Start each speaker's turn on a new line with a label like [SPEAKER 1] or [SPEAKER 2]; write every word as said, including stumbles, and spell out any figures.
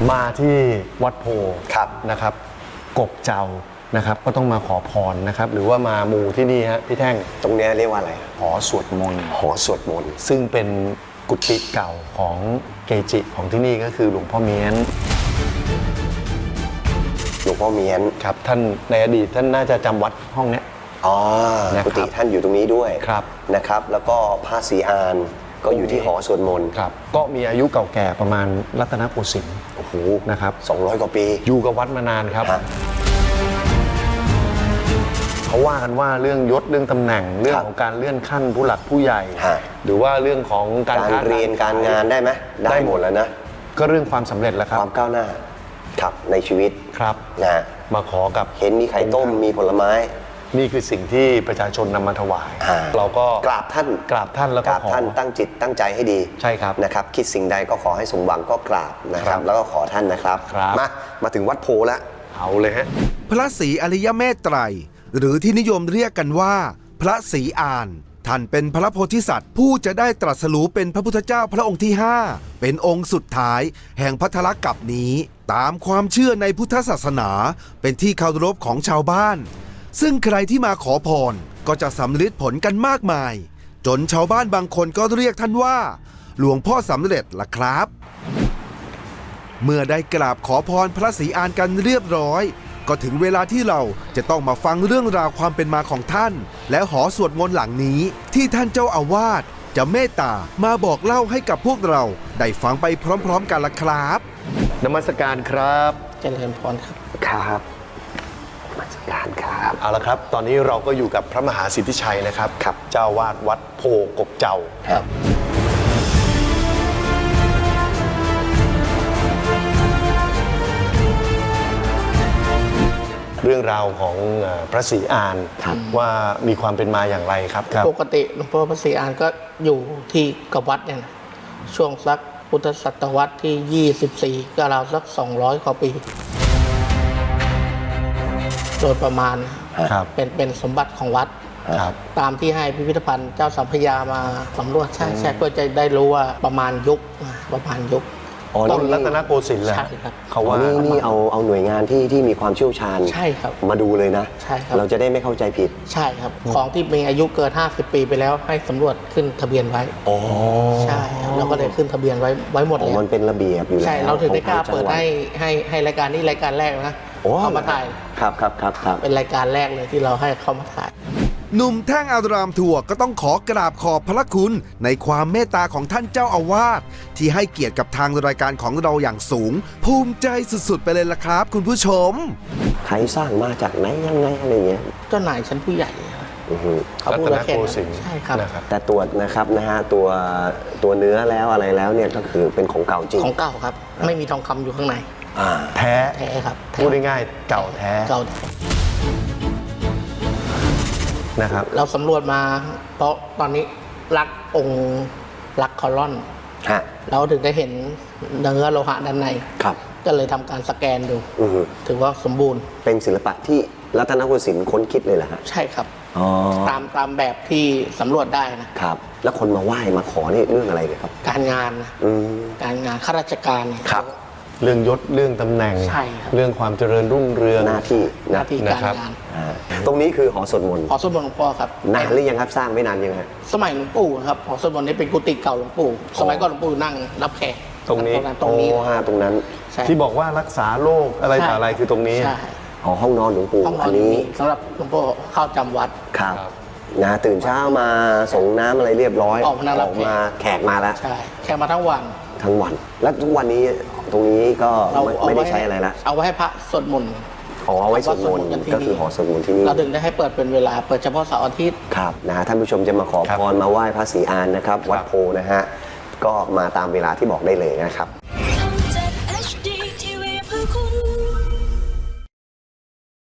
[SPEAKER 1] มาที่วัดโพ
[SPEAKER 2] ครับ
[SPEAKER 1] นะครับกบเจ้านะครับก็ต้องมาขอพรนะครับหรือว่ามามูที่นี่ฮะพี่แท่ง
[SPEAKER 2] ตรงนี้เรียกว่าอะไร
[SPEAKER 1] หอสวดมนต์
[SPEAKER 2] หอสวดมนต์
[SPEAKER 1] ซึ่งเป็นกุฏิเก่าของเกจิของที่นี่ก็คือหลวงพ่อเมียน
[SPEAKER 2] หลวงพ่อเมียน
[SPEAKER 1] ครับท่านในอดีตท่านน่าจะจำวัดห้องเนี้ย
[SPEAKER 2] อ๋อ
[SPEAKER 1] นะครับ
[SPEAKER 2] กุฏิท่านอยู่ตรงนี้ด้วย
[SPEAKER 1] ครับ
[SPEAKER 2] นะครับ แล้วก็พระศรีอานก็อยู่ที่หอสวดมนต์
[SPEAKER 1] ครับก็มีอายุเก่าแก่ประมาณรัตนโกสินทร์
[SPEAKER 2] โอ้โห
[SPEAKER 1] นะครับ
[SPEAKER 2] สองร้อยกว่าปี
[SPEAKER 1] อยู่กับวัดมานานครับ
[SPEAKER 2] ฮะ
[SPEAKER 1] เขาว่ากันว่าเรื่องยศเรื่องตำแหน่งเรื่องของการเลื่อนขั้นผู้หลักผู้ใหญ่
[SPEAKER 2] ฮะ
[SPEAKER 1] หรือว่าเรื่องของการ
[SPEAKER 2] การเรียนการงานได้ไหมได้หมดแล้วนะ
[SPEAKER 1] ก็เรื่องความสำเร็จแหละครั
[SPEAKER 2] ค
[SPEAKER 1] บ
[SPEAKER 2] วามก้าวหน้าครับในชีวิต
[SPEAKER 1] ครับ
[SPEAKER 2] นะฮะ
[SPEAKER 1] มาขอกับ
[SPEAKER 2] เห็นมีไข่ต้มมีผลไม้
[SPEAKER 1] นี่คือสิ่งที่ประชาชนนำมาถวาย
[SPEAKER 2] อ่า
[SPEAKER 1] เราก็
[SPEAKER 2] กราบท่าน
[SPEAKER 1] กราบท่านแล้ว
[SPEAKER 2] ก
[SPEAKER 1] ก็
[SPEAKER 2] ราบ
[SPEAKER 1] ขอ
[SPEAKER 2] ท่านตั้งจิตตั้งใจให้ดี
[SPEAKER 1] ใช่ครับ
[SPEAKER 2] นะครับ คิดสิ่งใดก็ขอให้สมหวังก็กราบนะค
[SPEAKER 1] ครั
[SPEAKER 2] รับ
[SPEAKER 1] บ
[SPEAKER 2] แล้วก็ขอท่านนะครับ
[SPEAKER 1] ครับ
[SPEAKER 2] มามาถึงวัดโพแล้ว
[SPEAKER 1] เอาเลยฮะ
[SPEAKER 3] พระศรีอริยเมตไตรหรือที่นิยมเรียกกันว่า พระศรีอานท่านเป็นพระโพธิสัตว์ผู้จะได้ตรัสรู้เป็นพระพุทธเจ้าพระองค์ที่ห้าเป็นองค์สุดท้ายแห่งพัทธกัปปนี้ ตามความเชื่อในพุทธศาสนาเป็นที่เคารพของชาวบ้าน ซึ่งใครที่มาขอพรก็จะสำเร็จผลกันมากมาย จนชาวบ้านบางคนก็เรียกท่านว่า หลวงพ่อสำเร็จล่ะครับ เมื่อได้กราบขอพรพระศรีอานกันเรียบร้อยก็ถึงเวลาที่เราจะต้องมาฟังเรื่องราวความเป็นมาของท่าน และหอสวดมนต์หลังนี้ที่ท่านเจ้าอาวาสจะเมตตามาบอกเล่าให้กับพวกเราได้ฟังไปพร้อมๆกันละครับ
[SPEAKER 1] นมัสการครับ
[SPEAKER 4] เจริญพรครับ
[SPEAKER 2] ครับมาจัดการครับ
[SPEAKER 1] เอาละครับ ตอนนี้เราก็อยู่กับพระมหาสิทธิชัยนะครับ
[SPEAKER 2] ครับ
[SPEAKER 1] เจ้าวาดวัดโพกบเจ้า
[SPEAKER 2] ครับ
[SPEAKER 1] เรื่องราวของเอ่อพระศรีอาน
[SPEAKER 2] ครับ
[SPEAKER 1] ว่ามีความเป็นมาอย่างไรครับครับ
[SPEAKER 4] ปกติหลวงพ่อพระศรีอานก็อยู่ที่กับวัดเนี่ยนะช่วงสักพุทธศตวรรษที่ ยี่สิบสี่ ก็ราวสัก สองร้อยกว่าปี โดยประมาณ
[SPEAKER 1] ครับ
[SPEAKER 4] เป็นเป็นสมบัติของวัด
[SPEAKER 1] ครับ
[SPEAKER 4] ตามที่ให้พิพิธภัณฑ์เจ้าสัมพยามาสำรวจใช่ใช่เพื่อจะได้รู้ว่าประมาณยุคนะประมาณยุค
[SPEAKER 2] อ๋อ
[SPEAKER 1] ต้น
[SPEAKER 2] นี่
[SPEAKER 1] รัตนโกสินทร์แหละ
[SPEAKER 4] ใช่ครับ
[SPEAKER 1] เขา
[SPEAKER 2] อ๋อ
[SPEAKER 1] ว่า
[SPEAKER 2] นี่นี่เอาเอาหน่วยงานที่ที่มีความเชี่ยวชาญ
[SPEAKER 4] ใช่ครับ
[SPEAKER 2] มาดูเลยนะ
[SPEAKER 4] ใช่ครับ
[SPEAKER 2] เราจะได้ไม่เข้าใจผิด
[SPEAKER 4] ใช่ครับ ของที่มีอายุเกิน ห้าสิบ ปีไปแล้วให้สำรวจขึ้นทะเบียนไว้
[SPEAKER 2] อ๋อ
[SPEAKER 4] ใช่ครับเราก็เลยขึ้นทะเบียนไว้ไว้หมด
[SPEAKER 2] อ๋อ
[SPEAKER 4] เลย
[SPEAKER 2] มันเป็นระเบียบอยู่แล้ว
[SPEAKER 4] ใช่เราถึงได้กล้า
[SPEAKER 2] ของทง
[SPEAKER 4] เปิด
[SPEAKER 2] จังหวั
[SPEAKER 4] ให้ให้ให้รายการนี้รายการแรกนะ
[SPEAKER 2] โอ้
[SPEAKER 4] เข้ามาถ่าย
[SPEAKER 2] ครับครับครับครับ
[SPEAKER 4] เป็นรายการแรกเลยที่เราให้เข้ามาถ่าย
[SPEAKER 3] หนุ่มแท่งอารามทัวร์ก็ต้องขอกราบขอบพระคุณในความเมตตาของท่านเจ้าอาวาสที่ให้เกียรติกับทางรายการของเราอย่างสูง ภูมิใจสุดๆไปเลยล่ะครับ คุณผู้ชม
[SPEAKER 2] ใครสร้างมาจากไหนยังไงอะไรเงี้ย
[SPEAKER 4] เจ้านายชั้นผู้ใหญ่
[SPEAKER 2] อือฮึ
[SPEAKER 4] เขา
[SPEAKER 1] รั
[SPEAKER 4] พูด
[SPEAKER 1] ตน
[SPEAKER 4] ว่าแค่
[SPEAKER 1] โก
[SPEAKER 4] นั้น
[SPEAKER 1] สินทร์
[SPEAKER 4] ใช่ครับ
[SPEAKER 1] นะครับ
[SPEAKER 2] แต่ตรวจนะครับนะฮะตัวตัวเนื้อแล้วอะไรแล้วเนี่ยก็คือเป็นของเก่าจริง
[SPEAKER 4] ของเก่าครับ ไม่มีทองคำอยู่ข้างใน
[SPEAKER 2] อ่า
[SPEAKER 1] แท้
[SPEAKER 4] แท้ครับแท้
[SPEAKER 1] พูดง่ายๆเก่าแท้
[SPEAKER 4] เก่า
[SPEAKER 1] นะครับ
[SPEAKER 4] เราสำรวจมา เพราะตอนนี้รักองค์รักคอลอน
[SPEAKER 2] ฮะ
[SPEAKER 4] เราถึงได้เห็นเนื้อโลหะด้านใน
[SPEAKER 2] ครับ
[SPEAKER 4] ก็เลยทำการสแกนดู
[SPEAKER 2] อือฮึ
[SPEAKER 4] ถือว่าสมบูรณ์
[SPEAKER 2] เป็นศิลปะที่รัตนโกสินทร์ค้นคิดเลยเหรอฮะ
[SPEAKER 4] ใช่ครับ
[SPEAKER 2] อ๋อ
[SPEAKER 4] ตามตามแบบที่สำรวจได้นะ
[SPEAKER 2] ครับ แล้วคนมาไหว้มาขอนี่เรื่องอะไรเนี่ยครับ
[SPEAKER 4] การงานนะ
[SPEAKER 2] อืม
[SPEAKER 4] การงานข้าราชการเนี่ย
[SPEAKER 2] ครับ
[SPEAKER 1] เรื่องยศเรื่องตำแหน่ง
[SPEAKER 4] ใช่ครับ
[SPEAKER 1] เรื่องความเจริญรุ่งเรือง
[SPEAKER 2] หน้าที่
[SPEAKER 4] หน้าที่
[SPEAKER 1] นะ
[SPEAKER 4] การ
[SPEAKER 1] ครับ
[SPEAKER 4] งาน
[SPEAKER 2] อ่าตรงนี้คือหอสวดมนต์
[SPEAKER 4] หอสวดมนต์หลวงพ่อครับ
[SPEAKER 2] นานหรือยังครับสร้างไม่นานยังฮะ
[SPEAKER 4] สมัยหลวงปู่ครับหอสวดมนต์นี้เป็นกุฏิเก่าหลวงปู่ สมัยก่อนหลวงปู่นั่งรับแขก
[SPEAKER 1] ตรงนี้
[SPEAKER 4] ตรงนี้
[SPEAKER 2] โอ้ฮะตรงนั้น
[SPEAKER 4] ใช่
[SPEAKER 1] ที่บอกว่ารักษาโรคอะไรต่ออะไรคือตรงนี้
[SPEAKER 4] ใช่
[SPEAKER 2] หอห้องนอนหลวงปู่
[SPEAKER 4] ห้องนอ
[SPEAKER 2] อั
[SPEAKER 4] น
[SPEAKER 2] นนี้
[SPEAKER 4] นี้สำหรับหลวงพ่อเข้าจำวัด
[SPEAKER 2] ครับ
[SPEAKER 1] ครับ
[SPEAKER 2] นะตื่นเช้ามาส่งน้ำอะไรเรียบร้อย
[SPEAKER 4] ออกมานั่งรับ
[SPEAKER 2] มาแขกมาแล้ว
[SPEAKER 4] ใช่แค่มาทั้งวัน
[SPEAKER 2] ทั้งวัน แล้วทุกวันนี้ตรงนี้ก็
[SPEAKER 4] เรา
[SPEAKER 2] ไม่
[SPEAKER 4] เอา
[SPEAKER 2] ไม่ได้
[SPEAKER 4] ว้
[SPEAKER 2] ใช้อะไรละ
[SPEAKER 4] เอาไว้ให้พระสวดมนต์
[SPEAKER 2] ขอเอาไว้สวดมนต์
[SPEAKER 4] เอาไว้สวดมนต์กันที่
[SPEAKER 2] ก็คือ
[SPEAKER 4] นี่
[SPEAKER 2] หอสวดมนต์ที่นี่
[SPEAKER 4] เราถึงได้ให้เปิดเป็นเวลาเปิดเฉพาะเสาร์อาทิตย์
[SPEAKER 2] ครับนะฮะท่านผู้ชมจะมาขอ
[SPEAKER 1] ครับ
[SPEAKER 2] พรมาไหว้พระศรีอานนะครับ วัด
[SPEAKER 1] ครับ
[SPEAKER 2] โพนะฮะก็มาตามเวลาที่บอกได้เลยนะครับ